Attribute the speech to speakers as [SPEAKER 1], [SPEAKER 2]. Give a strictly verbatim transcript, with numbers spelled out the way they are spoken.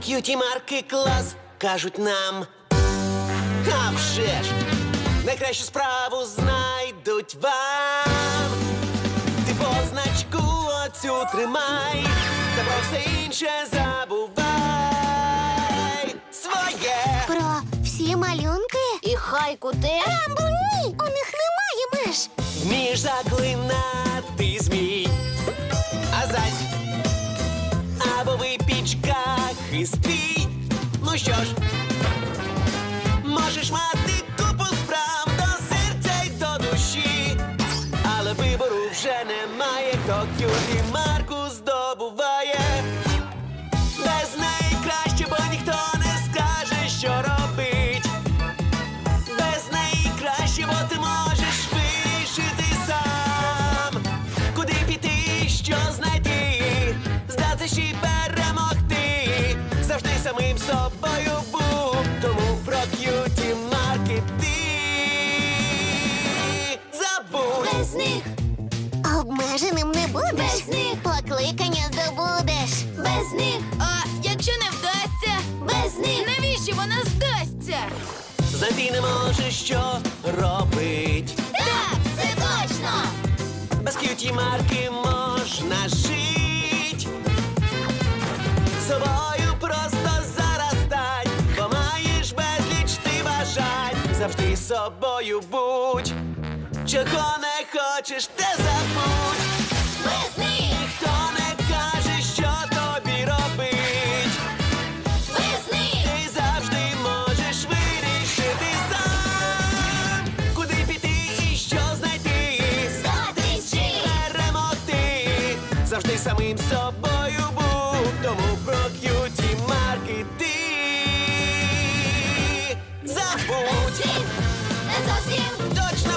[SPEAKER 1] К'юті-марки клас, кажуть нам. А вже ж, найкращу справу знайдуть вам. Ти позначку оцю тримай, та про все інше забувай. Своє.
[SPEAKER 2] Про всі малюнки?
[SPEAKER 3] І хайку теж.
[SPEAKER 2] Рамбо, ні! У них немає меж.
[SPEAKER 1] Вмієш заклинати змій. А зась, або випічка хиствій. Ну що ж, можеш мати купу справ до серця й до душі, але вибору вже немає, хто к'юті-марку здобуває. Без неї краще, бо ніхто не скаже, що робить. Без неї краще, бо ти можеш вирішити сам. Куди піти, що знайти, здатися і перемогти. Завжди самим собою будь, тому про к'юті-марки ти забудь.
[SPEAKER 3] Без них,
[SPEAKER 2] Обмеженим не будеш.
[SPEAKER 3] Без них.
[SPEAKER 2] Покликання здобудеш.
[SPEAKER 3] без них,
[SPEAKER 4] А якщо не вдасться,
[SPEAKER 3] без них.
[SPEAKER 4] навіщо вона здасться?
[SPEAKER 1] Знайти не можеш, що робить.
[SPEAKER 3] Так, це точно.
[SPEAKER 1] Без к'юті-марки можна жить. Собою просто зараз стань, бо маєш безліч ти бажань. Завжди собою будь. Чого не хочеш, те забудь.
[SPEAKER 3] Без них,
[SPEAKER 1] Ніхто не каже, що тобі робить.
[SPEAKER 3] без них.
[SPEAKER 1] Ти завжди можеш вирішити сам. Куди піти і що знайти.
[SPEAKER 3] Зустрічі.
[SPEAKER 1] Перемогти. Завжди самим собою будь. Тому про к'юті-марки ти забудь.
[SPEAKER 3] Без них, не зовсім.
[SPEAKER 1] Точно